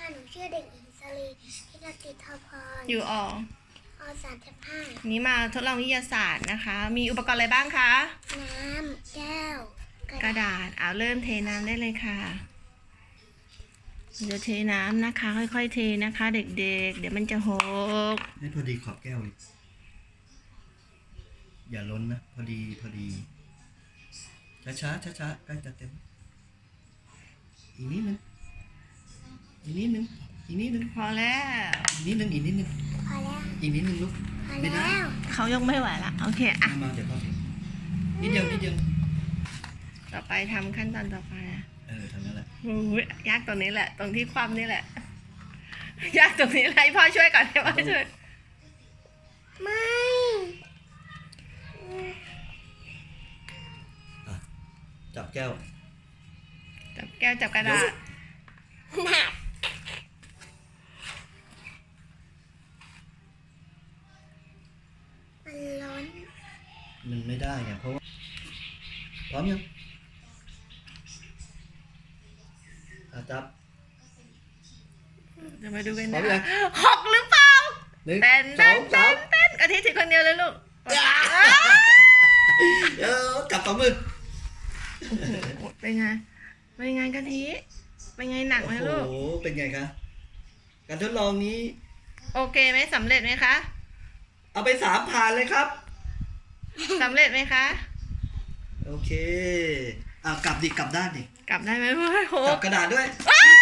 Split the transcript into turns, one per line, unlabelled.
ค่ะหนูชื่อเด็กหญิงสลีพิรติทพร
อยู่อ
อ.35
นี้มาทดลองวิทยาศาสตร์นะคะ มีอุปกรณ์อะไรบ้างคะ
น้ำแก้ว
กระดาษเริ่มเทน้ำได้เลยค่ะจะเทน้ำนะคะ ค่อยๆเทนะคะ เด็กๆเดี๋ยวมันจะหก
ให้พอดีขอบแก้วเลยอย่าล้นนะพอดีช้าใกล้จะเต็มอีกนิดนึงอีกนิดนึง
พอแล้ว
อีกนิดนึง
พอแล้ว
อีกนิดนึงลูก
พอ
ไม่ได้
แล้ว
เขายกไม่ไหวละโอเคอ่ะ
มาเดี๋ยวพ่อนิดเดียว
ต่อไปทำขั้นตอนต่อไปนะ
ทำนั่นแหละ
โอ้ยยากตรงนี้แหละ ตรงที่ความนี่แหละ ยากตรงนี้แหละให้พ่อช่วยก่อนให้พ่อช่วย
ไม่
จับแก้ว
จับแก้วจับกระดาษ
หนักมันล้น
มันไม่ได้ไงเพราะว่าพร้อมยังจับ
เดี๋ยวมาดูกัน
พร้อ
นะ
มยัง
หกหรือเปล่า
หนึ่ง
เต้น
สองสาม
กะทิถือคนเดียวเลยลูก
เดี๋ยวจับสองมือ
เป็นไงกะทิเป็นไงหนักไหม
โอ้
ลูก
โหเป็นไงคะการทดลองนี้
โอเคไหมสำเร็จไหมคะ
เอาไป3ผ่านเลยครับ
สำเร็จไหมคะ
โอเคกลับด้านดิ
กลับได้ไหมเพื่อนโห
จับกระดาษด้วย
ว้าว